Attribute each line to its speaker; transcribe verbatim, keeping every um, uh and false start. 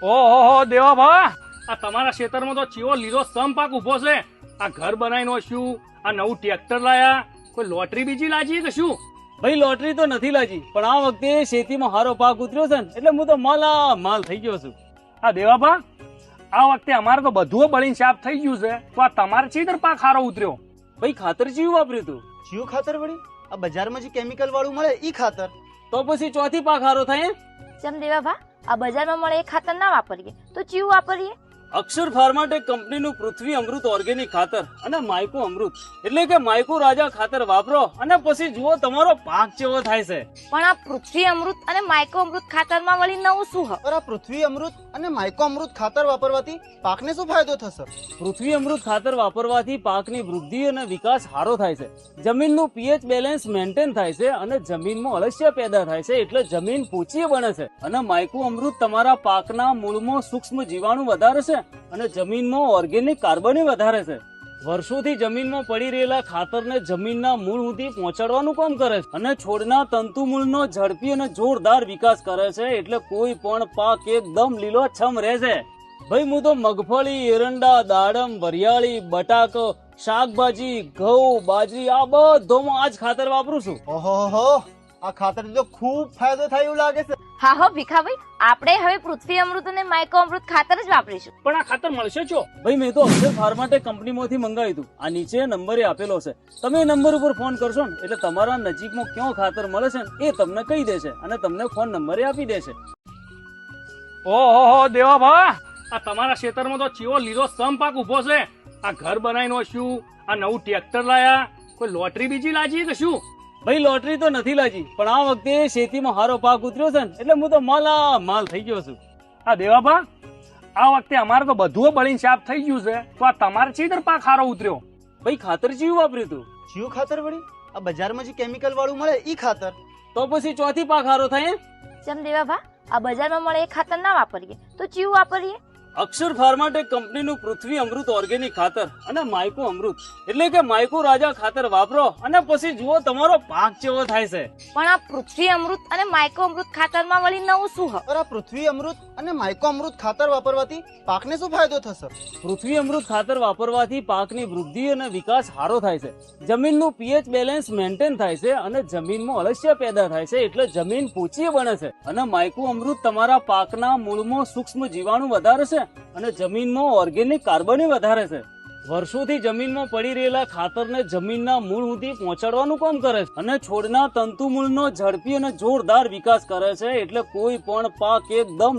Speaker 1: ઓહો દેવા ભા, આ તમારા ખેતરમાં તો ચીવો લીલો સમ પાક ઉભો છે. આ ઘર બનાવીને શું, આ નવું ટ્રેક્ટર લાયા, કોઈ લોટરી બીજી લાજી કે શું?
Speaker 2: ભાઈ લોટરી તો નથી લાગી, પણ આ વખતે શેતીમાં હારો પાક ઉતર્યો છે ને એટલે હું તો માલા માલ થઈ ગયો છું.
Speaker 1: આ દેવા ભા, આ વખતે અમારે તો બધું બળીને સાફ થઈ ગયું છે, તો આ તમારે ચીતર પાક હારો ઉતર્યો?
Speaker 2: ભાઈ ખાતર ચીયું વાપર્યું તું?
Speaker 3: જીવ ખાતર વળી આ બજારમાં જે કેમિકલ વાળું મળે ઈ ખાતર.
Speaker 2: તો પછી ચોથી પાક હારો થાય એમ?
Speaker 4: ચમ દેવા ભા, આ બજારમાં મળે એ ખાતર ના વાપરીએ તો ચીવું વાપરીએ?
Speaker 2: અક્ષર ફાર્માટેક કંપનીનું પૃથ્વી અમૃત ઓર્ગેનિક ખાતર અને માયકો અમૃત એટલે કે માયકો રાજા ખાતર વાપરો અને પછી જુઓ તમારો પાક કેવો થાય છે.
Speaker 4: પણ આ પૃથ્વી અમૃત અને માયકો અમૃત ખાતરમાં વળી નવું શું હ?
Speaker 3: પર આ પૃથ્વી અમૃત અને માયકો અમૃત ખાતર વાપરવાથી પાકને શું ફાયદો થશે?
Speaker 2: પૃથ્વી અમૃત ખાતર વાપરવાથી પાકની વૃદ્ધિ અને વિકાસ સારો થાય છે, જમીનનું પીએચ બેલેન્સ મેન્ટેન થાય છે અને જમીનમાં અળસિયા પેદા થાય છે એટલે જમીન પોચી બને છે. અને માયકો અમૃત તમારા પાકના મૂળમાં સૂક્ષ્મ જીવાણુ વધારે છે અને જમીનમાં ઓર્ગેનિક કાર્બન વધારે છે. વર્ષોથી જમીનમાં પડી રહેલા ખાતરને જમીનના મૂળ સુધી પહોંચાડવાનું કામ કરે છે અને છોડના તંતુ મૂળનો ઝડપી અને જોરદાર વિકાસ કરે છે એટલે કોઈ પણ પાક એકદમ લીલોછમ રહે છે. ભાઈ હું તો મગફળી, એરંડા, દાડમ, વરિયાળી, બટાકો, શાકભાજી, ઘઉં, બાજરી આ બધોમાં આ જ ખાતર વાપરું છું.
Speaker 3: ઓહો, આ ખાતરથી તો ખૂબ ફાયદો થાય એવું લાગે છે.
Speaker 4: હા હો ભીખાભાઈ, આપણે હવે પૃથ્વી અમૃત અને માયકો અમૃત ખાતર જ વાપરીશું.
Speaker 1: પણ આ ખાતર મળશે છો?
Speaker 2: ભાઈ મેં તો અક્ષર ફાર્માટેક કંપનીમાંથી મંગાવ્યું હતું. આ નીચે નંબરે આપેલો છે, તમે એ નંબર ઉપર ફોન કરશો ને એટલે તમારા નજીકમાં ક્યાં ખાતર મળે છે ને એ તમને કહી દેશે અને તમને ફોન નંબરે આપી દેશે.
Speaker 1: ઓહો દેવા ભા, આ તમારા ખેતરમાં તો ચીવો લીલો સમ પાક ઉભો છે. આ ઘર બનાવીને શું, આ નવું ટ્રેક્ટર લાયા, કોઈ લોટરી બીજી લાજી કે શું?
Speaker 2: ભાઈ લોટરી તો નથી લાગી, પણ આ વખતે શેતીમાં હારો પાક ઉતર્યો છે ને એટલે હું તો માલા માલ થઈ ગયો છું.
Speaker 1: આ દેવા ભા, આ વખતે અમારે તો બધું બળીને સાફ થઈ ગયું છે, તો આ તમારે ચીતર પાક હારો ઉતર્યો?
Speaker 2: ભાઈ ખાતર ચીયું વાપર્યું તું?
Speaker 3: જીવ ખાતર વળી આ બજારમાં જે કેમિકલ વાળું મળે ઈ ખાતર.
Speaker 2: તો પછી ચોથી પાક હારો થાય એમ?
Speaker 4: ચમ દેવા ભા, આ બજારમાં મળે એ ખાતર ના વાપરીએ તો ચીવું વાપરીએ?
Speaker 2: અક્ષર ફાર્માટેક કંપનીનું પૃથ્વી અમૃત ઓર્ગેનિક ખાતર અને માયકો અમૃત એટલે કે માયકો રાજા ખાતર વાપરો અને પછી જુઓ તમારો પાક કેવો થાય છે.
Speaker 4: પણ આ પૃથ્વી અમૃત અને માયકો અમૃત ખાતરમાં વળી નવું શું હ?
Speaker 3: પર આ પૃથ્વી અમૃત અને માયકો અમૃત ખાતર વાપરવાથી પાકને શું ફાયદો થશે?
Speaker 2: પૃથ્વી અમૃત ખાતર વાપરવાથી પાકની વૃદ્ધિ અને વિકાસ સારો થાય છે, જમીનનું પીએચ બેલેન્સ મેન્ટેન થાય છે અને જમીનમાં અળસિયા પેદા થાય છે એટલે જમીન પોચી બને છે. અને માયકો અમૃત તમારા પાકના મૂળમાં સૂક્ષ્મ જીવાણુ વધારે છે અને જમીનમાં ઓર્ગેનિક કાર્બન વધારે છે. વર્ષોથી જમીનમાં પડી રહેલા ખાતરને જમીનના મૂળ સુધી પહોંચાડવાનું કામ કરે છે અને છોડના તંતુ મૂળનો ઝડપી અને જોરદાર વિકાસ કરે છે એટલે કોઈ પણ પાક એકદમ